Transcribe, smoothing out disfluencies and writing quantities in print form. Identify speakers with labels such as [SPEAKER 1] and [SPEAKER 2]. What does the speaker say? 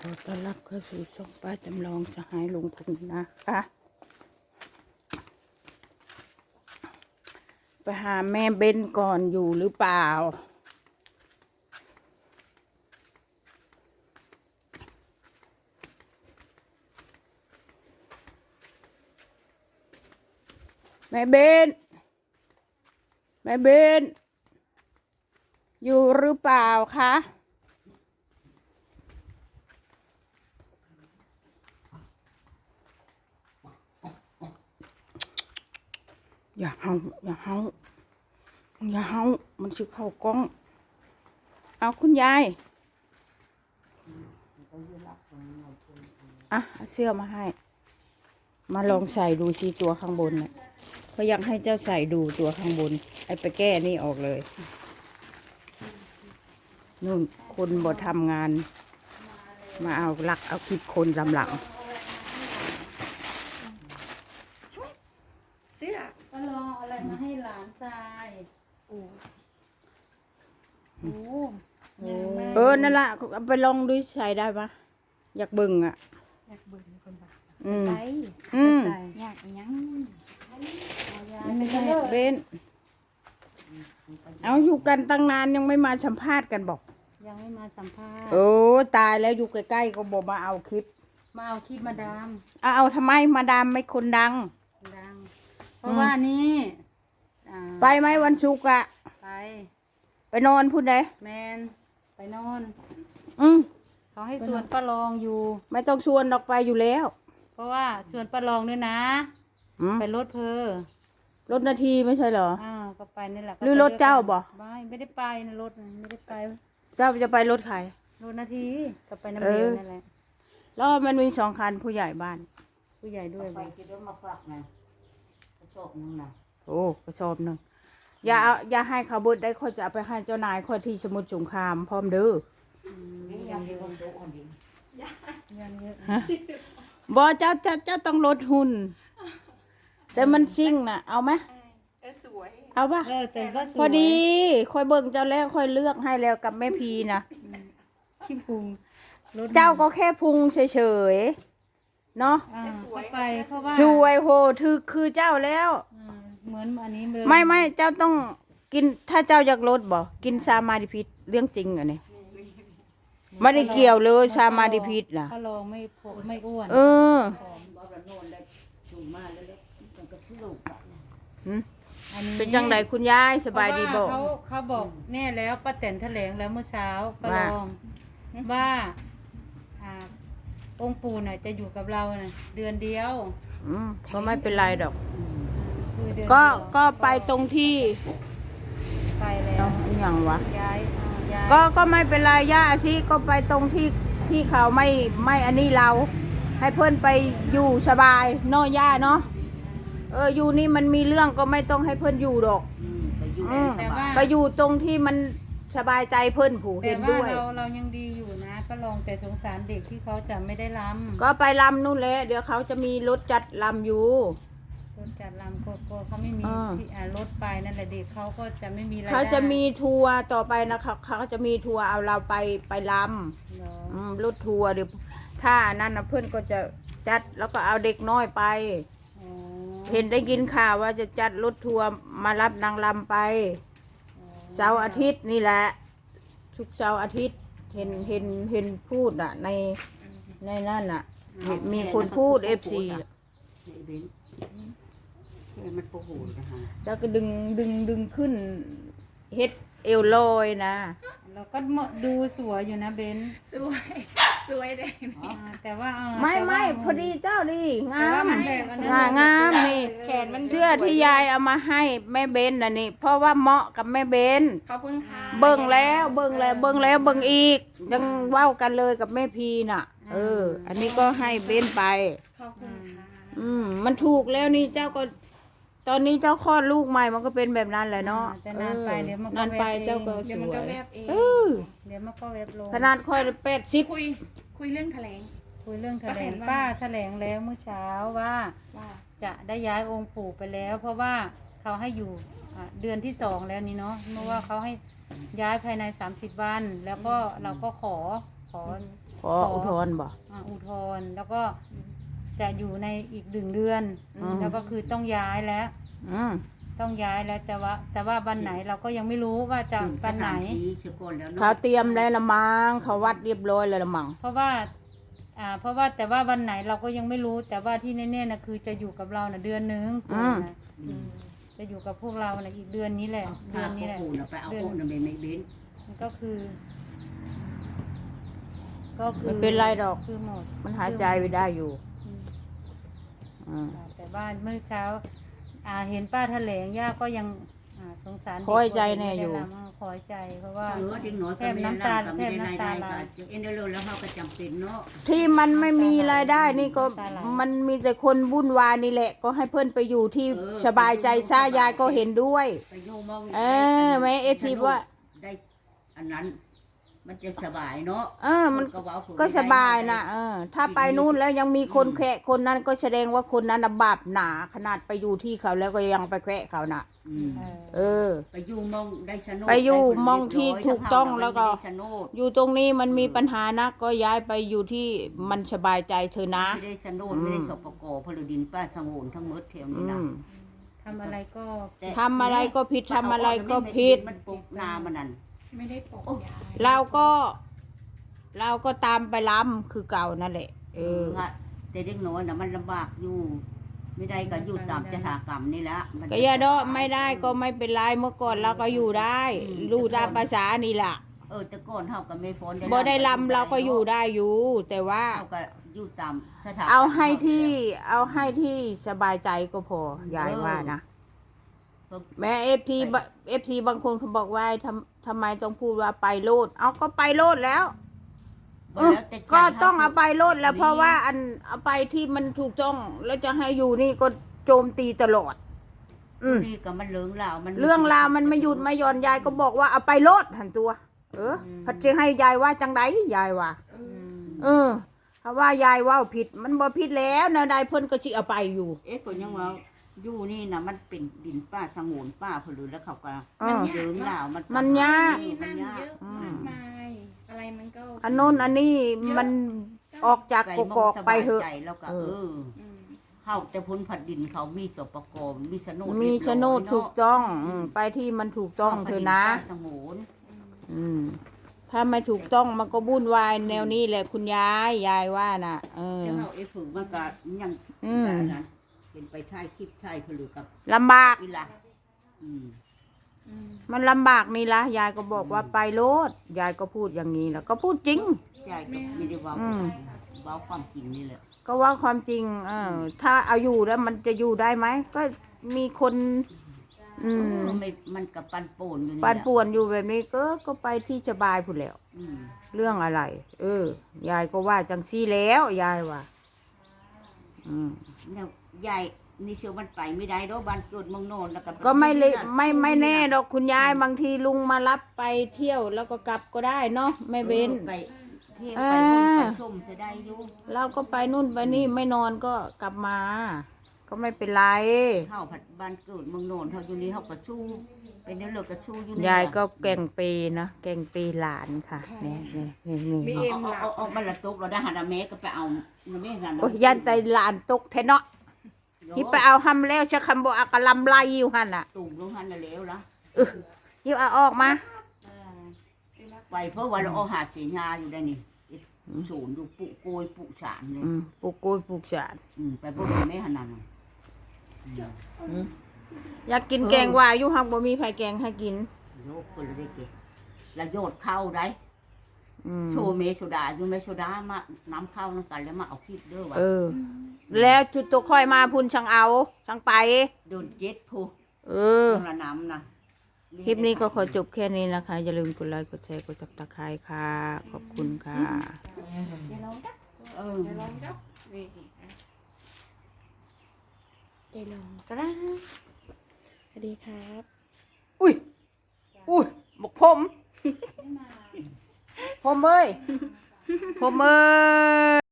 [SPEAKER 1] อต้อนรับเข้าสู่ช่องป้าจำลองสหายลุงพลนะคะไปหาแม่เบนก่อนอยู่หรือเปล่าแม่เบนอยู่หรือเปล่าคะอย่าเฮามันชื่อเข้ากล้องเอาคุณยายอ่ะเอาเสื้อมาให้มาลองใส่ดูสิตัวข้างบนเนี่ยเขาอยากให้เจ้าใส่ดูตัวข้างบนไอ้ไปแก้นี่ออกเลยนู่นคนบ่ทำงานมาเอาลักเอาคลิปคนลำหลัง
[SPEAKER 2] เสื้อ
[SPEAKER 3] ก็ลองอะไรมาให้หลานชาย
[SPEAKER 2] โอ้
[SPEAKER 1] นั่นละเอาไปลองดูใส่ได้ปะอยากเบิ่งอ่ะ
[SPEAKER 2] อยากเบิ่งคนบ้า
[SPEAKER 1] ใ
[SPEAKER 2] ส่อยากยัง
[SPEAKER 1] เบนเอาอยู่กันตั้งนานยังไม่มาสัมภาษณ์กันบอก
[SPEAKER 3] ยังไม่มาสัมภาษณ์
[SPEAKER 1] โอ้ตายแล้วอยู่ใกล้ๆก็บอกมาเอาคลิป
[SPEAKER 3] มาดาม
[SPEAKER 1] เอาทำไมมาดามไม่คนดัง
[SPEAKER 3] เพราะว่านี่
[SPEAKER 1] ไปไหมวันศุกร์อะไปนอนพูดได้
[SPEAKER 3] แมนไปนอน
[SPEAKER 1] ม
[SPEAKER 3] เขาให้ชวนป้าลองอยู่
[SPEAKER 1] ไม่ต้องชวนออกไปอยู่แล้ว
[SPEAKER 3] เพราะว่าชวนป้าลองด้วยนะไปรถ
[SPEAKER 1] รถนาทีไม่ใช่เหรอ
[SPEAKER 3] ก็ไปนี่แหละ
[SPEAKER 1] หรือรถเจ้าบ่
[SPEAKER 3] ไม่ได้ไปนะรถไม่ได้ไป
[SPEAKER 1] เจ้าจะไปรถใคร
[SPEAKER 3] รถนาทีก็ไปน้ำเบลนั่นแหละ
[SPEAKER 1] แล้วมันมี2 คันผู้ใหญ่บ้าน
[SPEAKER 3] ผู้ใหญ่ด้วย
[SPEAKER 2] ไปคิดว่ามาฝากนะกระสอบนึงนะ
[SPEAKER 1] โอ้กระสอบนึงอย่าให้เขาเบิดได้เขาจะเอาไปให้เจ้านายเขาที่สมุทรสงครามพร้อมเด้อ
[SPEAKER 2] ยังที่คนโตคนดี
[SPEAKER 3] ยังเยอะ
[SPEAKER 1] บ่เจ้าต้องลดหุ่นแต่มันซิ่งน่ะเอาไหม
[SPEAKER 2] สวย
[SPEAKER 1] เอาปะ
[SPEAKER 3] แต่ก็สวย
[SPEAKER 1] พอดีค่อยเบิ่งเจ้าแล้วค่อยเลือกให้แล้วกับแม่พีนะ
[SPEAKER 3] ขี้พุง
[SPEAKER 1] เจ้าก็แค่พุงเฉยๆเนาะ
[SPEAKER 3] ก็ไปเพราะว่า
[SPEAKER 1] ช่วยโหคือเจ้าแล้ว
[SPEAKER 3] เหมือนอันนี้
[SPEAKER 1] ไม่เจ้าต้องกินถ้าเจ้าอยากลดบ่กินซามาดิพิษเรื่องจริงอันนี้ไม่ได้เกี่ยวเลยซามาดิพิษน่ะ
[SPEAKER 3] ถ้าลองไม่อ้วน
[SPEAKER 1] เป็นจังไดคุณยายสบายดีบ่
[SPEAKER 3] เขาบอกแน่แล้วป้าแตนแถลงแล้วเมื่อเช้าป้าลองว่าองค์ปู่น่ะจะอยู่กับเราน่ะเดือนเดียว
[SPEAKER 1] ก็ไม่เป็นไรดอกก็ไปตรงที่
[SPEAKER 3] ไปแล้ว
[SPEAKER 1] อย่างวะ
[SPEAKER 3] ย้าย
[SPEAKER 1] ก็ไม่เป็นไรย่าสิก็ไปตรงที่เขาไม่อันนี้เราให้เพื่อนไปอยู่สบายเนาะย่าเนาะอยู่นี่มันมีเรื่องก็ไม่ต้องให้เพื่อนอยู่ดอกไปอยู่ตรงที่มันสบายใจเพื่อนผู้เห็นด้วย
[SPEAKER 3] เรายังดีอยู่นะก็ลองแต่สงสารเด็กที่เขาจะไม่ได้รำ
[SPEAKER 1] ก็ไปรำนู่นแหละเดี๋ยวเขาจะมีรถจัดรำอยู่
[SPEAKER 3] รถจัดรำก็เขาไม่มีรถไปนั่นแหละเด็กเขาก็จะไม่มีรายได้
[SPEAKER 1] เขาจะมีทัวร์ต่อไปนะคะเขาจะมีทัวร์เอาเราไปรำรถทัวร์เดี๋ยวถ้านั่นนะเพื่อนก็จะจัดแล้วก็เอาเด็กน้อยไปเห็นได้ยินข่าวว่าจะจัดรถทัวร์มารับนางรำไปเสาร์อาทิตย์นี่แหละทุกเสาร์อาทิตย์เห็นพูดอ่ะในนั่นอ่ะมีคนพูดFC
[SPEAKER 2] มันโปรโหดนะคะ
[SPEAKER 1] เจ้าก็ดึงขึ้นเฮ็ดเอวลอยนะ
[SPEAKER 3] เราก็ดูสวยอยู่นะเบน
[SPEAKER 2] สวยเด็ก
[SPEAKER 3] แต่ว่า
[SPEAKER 1] ไม่พอดีเจ้าดีงามนี่เสื้อที่ยายเอามาให้แม่เบนน่ะนี่เพราะว่าเหมาะกับแม่เบน
[SPEAKER 2] ขอบคุณค่ะ
[SPEAKER 1] เบิ่งแล้วเบิ่งอีกยังเว้ากันเลยกับแม่พีน่ะอันนี้ก็ให้เบนไป
[SPEAKER 2] ขอบคุณค่ะ
[SPEAKER 1] มันถูกแล้วนี่เจ้าก็ตอนนี้เจ้าคลอดลูกใหม่มันก็เป็นแบบนั้นแหละเนาะ
[SPEAKER 3] แต่นานไปเดี๋ยว
[SPEAKER 1] นานไปเจ้าก็สวย
[SPEAKER 2] เดี๋ยวมันก็แวบเอง
[SPEAKER 3] เดี๋ยวมันก็แวบลง
[SPEAKER 1] ขนาดค่อย80
[SPEAKER 2] คุยเรื่องแถลง
[SPEAKER 3] ป้าแถลงแล้วเมื่อเช้าว่าจะได้ย้ายองค์ปู่ไปแล้วเพราะว่าเขาให้อยู่เดือนที่2แล้วนี่เนาะเมื่อว่าเขาให้ย้ายภายใน30 วันแล้วก็เราก็ขอ
[SPEAKER 1] ขออุทธรณ์บ่
[SPEAKER 3] อุทธรณ์แล้วก็จะอยู่ในอีก1 เดือน แล้วก็คือต้องย้ายแล้ว
[SPEAKER 1] อืม
[SPEAKER 3] ต้องย้ายแล้วแต่ว่าวันไหนเราก็ยังไม่รู้ว่าจะวันไหน
[SPEAKER 1] เขาเตรียมแล้วละมังเขาวัดเรียบร้อยแล้วละมัง
[SPEAKER 3] เพราะว่าแต่ว่าวันไหนเราก็ยังไม่รู้ แต่ว่าที่แน่ๆนะคือจะอยู่กับเรานะเดือนนึงปู่นะจะอยู่กับพวกเรานะอีกเดือนนี้แหละ เดือนนี้แหละ
[SPEAKER 4] ไปเอาพวกนั้นไม่เบ้น
[SPEAKER 3] ก็คือ
[SPEAKER 1] ไม่เป็นไรดอก
[SPEAKER 3] คือหมด
[SPEAKER 1] มันหายใจไปได้อยู่
[SPEAKER 3] อืมแต่ว่าเมื่อเช้า เห็นป้าแถลงย่าก็ยังสงสารเด็ก
[SPEAKER 1] คอยใจแน่อยู่
[SPEAKER 3] ไม่ได้รำคอยใจเพราะว่า
[SPEAKER 4] เด็กน้อย
[SPEAKER 3] แทบน้ำตาไหล
[SPEAKER 4] เอ็นเดอร์แล้วเขาก็จำเป็นเนาะ
[SPEAKER 1] ที่มันไม่มีรายได้นี่ก็มันมีแต่คนวุ่นวายนี่แหละ ก็ให้เพื่อนไปอยู่ที่สบายใจซะยายก็เห็นด้วย
[SPEAKER 4] ไปโยมอง
[SPEAKER 1] แม่เอฟซีว่า
[SPEAKER 4] ได้อันนั้น มันจะสบายเนาะ
[SPEAKER 1] มันก็สบายนะถ้าไปนู่นแล้วยังมีคนแคะคนนั้นก็แสดงว่าคนนั้นน่ะบาปหนาขนาดไปอยู่ที่เขาแล้วก็ยังไปแคะเขาน่ะ
[SPEAKER 4] ไปอยู่มองได้สนุก
[SPEAKER 1] ไปอยู่มองที่ถูกต้องแล้วก็ อยู่ตรงนี้มันมีปัญหานะก็ย้ายไปอยู่ที่มันสบายใจเธอนะ
[SPEAKER 4] ไม่ได้สนุกไม่ได้สปกพลดินป้าสงวนทั้งหมดแถวนี้นะ
[SPEAKER 3] ทำอะไรก็
[SPEAKER 1] ทำอะไรก็ผิดทำอะไรก็ผิด
[SPEAKER 4] มันปลุกนามันนั่น
[SPEAKER 2] ไม่ได้ปกยาย
[SPEAKER 1] เราก็ตามไปล้ำคือเก่านั่นแหละ
[SPEAKER 4] แต่เด็กน้อยนะมันลำบากอยู่ ไม่ได้ก็อยู่ตามจถากรรมนี่แหละ
[SPEAKER 1] ก็อย่าดอไม่ได้ก็ไม่เป็นไรเมื่อก่อนเราก็อยู่ได้รู้ตามภาษานี่แหละ
[SPEAKER 4] แต่ก่อนเฮาก็ไม่พ้น
[SPEAKER 1] บ่ได้ลำเราก็อยู่ได้อยู่ แต่ว่า
[SPEAKER 4] เฮาก็อยู่ตามสถาน
[SPEAKER 1] เอาให้ที่สบายใจก็พอยายว่านะแม่เอฟทีบางคนเขาบอกว่าทำไมต้องพูดว่าไปโลดเอาก็ไปโลดแล้ว ก็ต้องเอาไปโลดแล้วเพราะว่าอันเอาไปที่มันถูกต้องแล้วจะให้อยู่นี่ก็โจมตีตลอด
[SPEAKER 4] นี่ก็มันเรื่องราวมัน
[SPEAKER 1] เรื่องราวมันไม่หยุดไม่หย่อนยายก็บอกว่าเอาไปโลดหันตัว พัดจะให้ยายว่าจังไดยายว่าเพราะว่ายายว่าผิดมันบ่ผิดแล้วแนวใดเพิ่นก็สิเอาไปอยู่
[SPEAKER 4] ก็ยังว่าอยู่นี่นะมันเป็นดินป้าสงวนป้าพลือแล้วเขาก็เรื่องราว
[SPEAKER 1] มันยาก
[SPEAKER 2] นี่นั่นเยอะมากมายอะไรมันก็
[SPEAKER 1] อันโน้นอันนี้มันออกจากกกอกไปเหอะ
[SPEAKER 4] แล้วก็เฮาแต่พ้นผัดดินเขามีสปกมีโฉนด
[SPEAKER 1] มีโฉนดถูกต้องไปที่มันถูกต้องเถอะนะถ้าไม่ถูกต้องมันก็วุ่นวายแนวนี้แหละคุณยายว่าน่ะ
[SPEAKER 4] แล้วเฮาฝึกมันก็ยังนั้นเป็นไปท้ายคลิปท้ายพลือกับ
[SPEAKER 1] ลำบาก
[SPEAKER 4] อีหล่ะ
[SPEAKER 1] มันลำบากนี่ละยายก็บอกว่าไปโลดยายก็พูดอย่างนี้แล้วก็พูดจริง
[SPEAKER 4] ยายก็ไม่ได้ว่าความจริงนี่แหละ
[SPEAKER 1] ก็ว่าความจริงถ้าเอาอยู่แล้วมันจะอยู่ได้ไหมก็มีคน
[SPEAKER 4] มันกับปันป่วนอยู่นี่
[SPEAKER 1] ปั่นป่วนอยู่แบบนี้ก็ไปที่สบายพูดแล้วเรื่องอะไรยายก็ว่าจังซี่แล้วยายว่า
[SPEAKER 4] เนี่ยยายนี่เชื่อมันไปไม่ได้ดอกบ้านเกิดเมืองโนนแล้ว
[SPEAKER 1] ก็ไม่แน่ดอกคุณยายบางทีลุงมารับไปเที่ยวแล้วก็กลับก็ได้เนาะไม่เว้น
[SPEAKER 4] ไปเที่ยวไปนู่นไปชมจะได้อยู่
[SPEAKER 1] เราก็ไปนู่นไปนี่ไม่นอนก็กลับมา ก็ไม่เป็นไร
[SPEAKER 4] เฮาผัดบ้านเกิดเมืองโนนเฮาอยู่นี่เฮาก็สู้เป็นเรื่องเลิกก็สู้อยู่นี่
[SPEAKER 1] ยายก็แกงปีนะแกงปีหลานค่ะนี่
[SPEAKER 2] มีเอ็มหลัก
[SPEAKER 4] เอามันละตกเราได้หาดาแม่ก็ไปเอาแม่กัน
[SPEAKER 1] โอ้ยยันใจหลานตกแท้เนาะที่ไปเอาหำแล้วชะคำบอกอากะลำไล่อยู่หันอ่ะ
[SPEAKER 4] ตุ่มลงหันแล้วละ
[SPEAKER 1] ยิบเอาออกมา
[SPEAKER 4] ไปเพราะว่าเราเอาหาดสีญาอยู่ได้นี่ศูนย์อยู่ปุโกยปุสารเลย
[SPEAKER 1] ปลูกกล้วยปลูกสาด
[SPEAKER 4] ไปพวกแม่หันนั่น
[SPEAKER 1] อยากกินแกงว่าอยู่หักบ่มีไผแกงให้กิน
[SPEAKER 4] โยกคนละได้เกละโยดเข้าได้โชเมโซดาอยู่เมโซดามาน้ำเข้าน้ำกันแล้วมาเอาคลิปเด้อว่ะ
[SPEAKER 1] แล้วจุดตัวค่อยมาพุ่นช่างเอาช่างไป
[SPEAKER 4] โดนเจ็ดผู้ละน้ำนะ
[SPEAKER 1] คลิปนี้ก็ขอจบแค่นี้นะคะอย่าลืมกดไลค์กดแชร์กดซับสไครต์ค่ะขอบคุณค่ะ
[SPEAKER 2] เดี๋ยวลองจ้ะเดี๋ยวลองจ้ะนี่เดี๋ยวลองจ้ะสวัสดีครับ
[SPEAKER 1] อุ้ยบอกผมผมเอ้ย